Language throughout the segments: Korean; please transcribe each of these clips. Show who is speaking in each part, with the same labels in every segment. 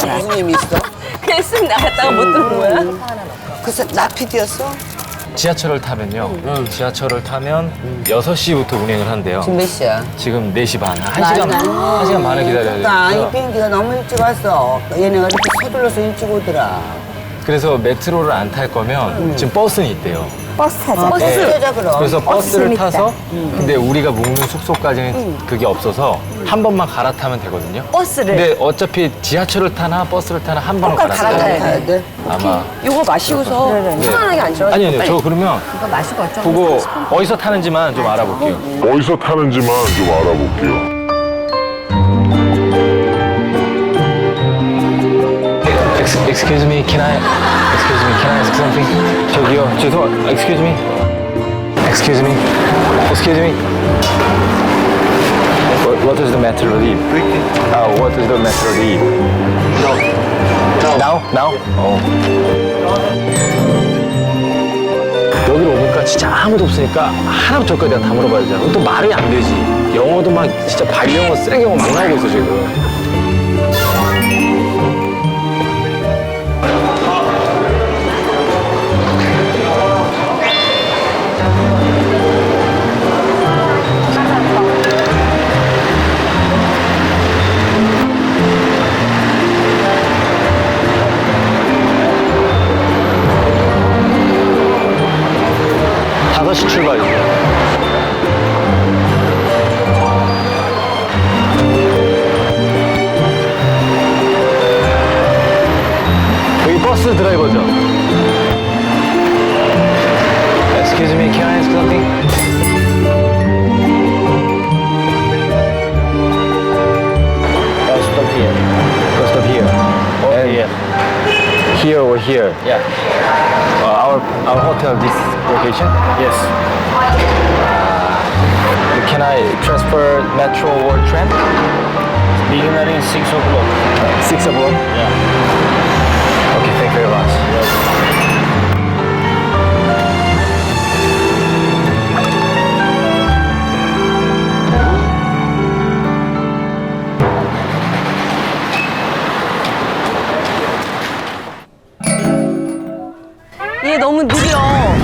Speaker 1: 무슨 의미 있어?
Speaker 2: 그냥 쓱 나갔다가 못 들어온 거야?
Speaker 1: 글쎄, 나 PD였어?
Speaker 3: 지하철을 타면요. 지하철을 타면 6시부터 운행을 한대요.
Speaker 1: 지금 몇 시야?
Speaker 3: 지금 4시 반. 1시간 반을 기다려야
Speaker 1: 나 이
Speaker 3: 돼요.
Speaker 1: 비행기가 너무 일찍 왔어. 얘네가 이렇게 서둘러서 일찍 오더라.
Speaker 3: 그래서 메트로를 안 탈 거면 지금 버스는 있대요.
Speaker 4: 버스 타자.
Speaker 1: 버스 타자 그럼.
Speaker 3: 그래서 버스를
Speaker 4: 재밌다.
Speaker 3: 타서 근데 우리가 묵는 숙소까지는 그게 없어서 한 번만 갈아타면 되거든요.
Speaker 2: 버스를.
Speaker 3: 근데 어차피 지하철을 타나 버스를 타나 한 번은
Speaker 2: 똑같이
Speaker 3: 갈아타야
Speaker 2: 갈아타야
Speaker 3: 돼요.
Speaker 1: 가야 돼?
Speaker 3: 아마.
Speaker 2: 요거 마시고서 편안하게 앉아.
Speaker 3: 아니요. 저 그러면
Speaker 2: 이거 마시고 왔죠?
Speaker 3: 그거 어디서 타는지만 좀 알아볼게요.
Speaker 5: 어디서 타는지만 좀 알아볼게요.
Speaker 3: Excuse me, can I ask something? 저기요, excuse me. What does the metro leave? What does the metro leave? Now? 여기로 오니까 진짜 아무도 없으니까 하나부터 저까지 내가 다 물어봐야 되잖아. 또 말이 안 되지. 영어도 막 진짜 발영어, 쓰레기 영어 막 나오고 있어, 지금. 다시 출발이에요. 여기 버스 드라이버죠? Excuse me, can I ask something? Stop here. Go stop here. Here. Here or here? Yeah. Our hotel, this location? Yes. Can I transfer metro or tram? Beginning 6 o'clock. 6 o'clock? Yeah. Okay, thank you very much.
Speaker 2: 얘 너무 느려.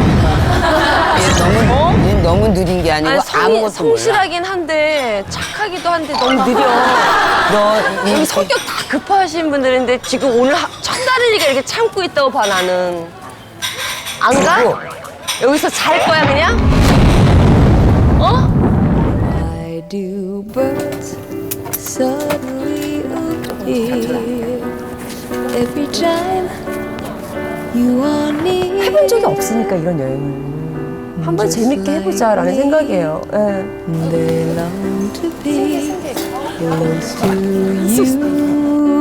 Speaker 1: 얘 너무 느린 게 아니고 아무것도 몰라.
Speaker 2: 성실하긴 한데 착하기도 한데 너무 느려.
Speaker 1: 너
Speaker 2: 여기 성격 다 급하신 분들인데 지금 오늘 첫 달이니까 이렇게 참고 있다고 봐 나는. 안 가? 여기서 잘 거야 그냥? 어?
Speaker 6: Why do birds suddenly appear every time you are near?
Speaker 2: 해본 적이 없으니까 이런 여행을. 한번 재밌게 해보자라는 생각이에요. 예.
Speaker 6: They long to be close to you.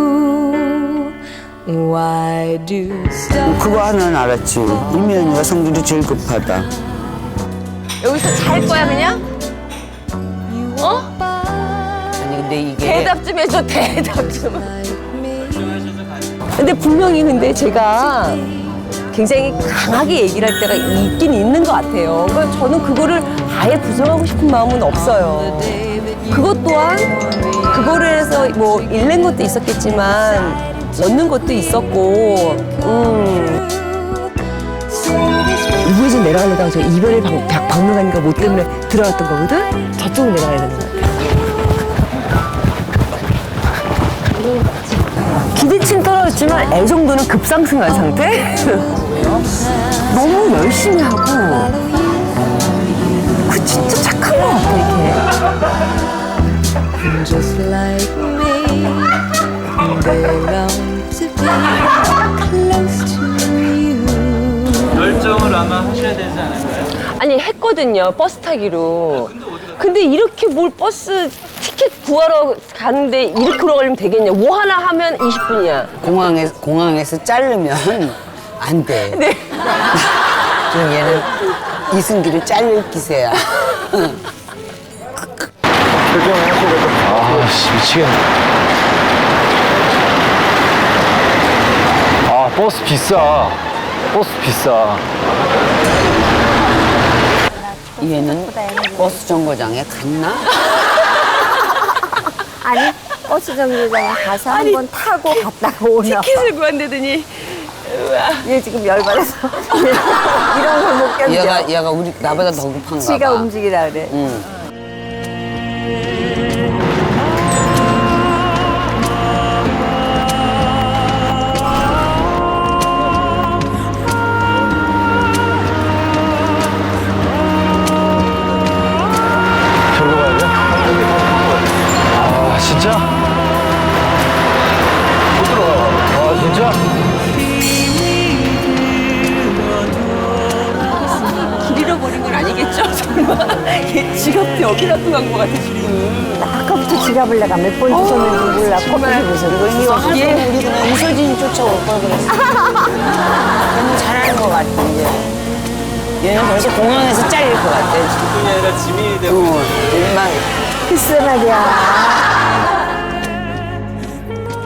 Speaker 6: Why do stars
Speaker 1: 그거 하나는 알았지. 이면이가 성질이 제일 급하다.
Speaker 2: 여기서 잘 거야 그냥? 어?
Speaker 1: 아니 근데 이게
Speaker 2: 대답 좀 해줘 대답 좀.
Speaker 6: like me?
Speaker 2: 근데 분명히 근데 제가 굉장히 강하게 얘기를 할 때가 있긴 있는 것 같아요. 그러니까 저는 그거를 아예 부정하고 싶은 마음은 없어요. 그것 또한 그거를 해서 뭐 잃는 것도 있었겠지만 얻는 것도 있었고 우회전 내려가려다가 저 이별의 박물관인가 뭐 때문에 들어갔던 거거든? 저쪽으로 내려가야 되는 것 같아요. 기대치는 떨어졌지만 애 정도는 급상승한 상태? 너무 열심히 하고 그 진짜 착한 것 같아 이렇게.
Speaker 6: Just like me, they long to be close to you.
Speaker 3: 결정을 아마 하셔야 되지 않을까요?
Speaker 2: 아니 했거든요 버스 타기로. 근데 이렇게 뭘 버스 티켓 구하러 가는데 이렇게 오래 걸리면 되겠냐. 뭐 하나 하면 20분이야.
Speaker 1: 공항에서 자르면 안 돼.
Speaker 2: 네.
Speaker 1: 지금 얘는 이승기를 자를 기세야.
Speaker 3: 아씨 미치겠네. 아 버스 비싸.
Speaker 1: 얘는 버스 정거장에 갔나?
Speaker 4: 아니, 버스 정류장에 가서 한번 타고 갔다가 오나 봐.
Speaker 2: 티켓을 구한다더니
Speaker 4: 얘 지금 열받아서 이런 걸 못 견뎌.
Speaker 1: 얘가 우리 나보다 더 급한가
Speaker 4: 지가
Speaker 1: 봐.
Speaker 4: 움직이라 그래.
Speaker 1: 응.
Speaker 3: 저기로 가야 돼? 아, 진짜? 못 들어가. 아, 진짜?
Speaker 2: 길 잃어버린 건 아니겠죠? 설마 얘 지갑도 여기 놔두고 간 것 같아 지금.
Speaker 4: 아까부터 지갑을 내가 몇 번 주셨는지 몰라. 커피숍에서.
Speaker 1: 이거 하루 우리 그냥 이서진이 쫓아올 걸 그랬어. 너무 잘하는 것 같아, 이제. 얘는 벌써 공항에서 잘릴 것 같아.
Speaker 7: 아니라 지민이 되고
Speaker 1: 막
Speaker 4: 글쎄 말이야.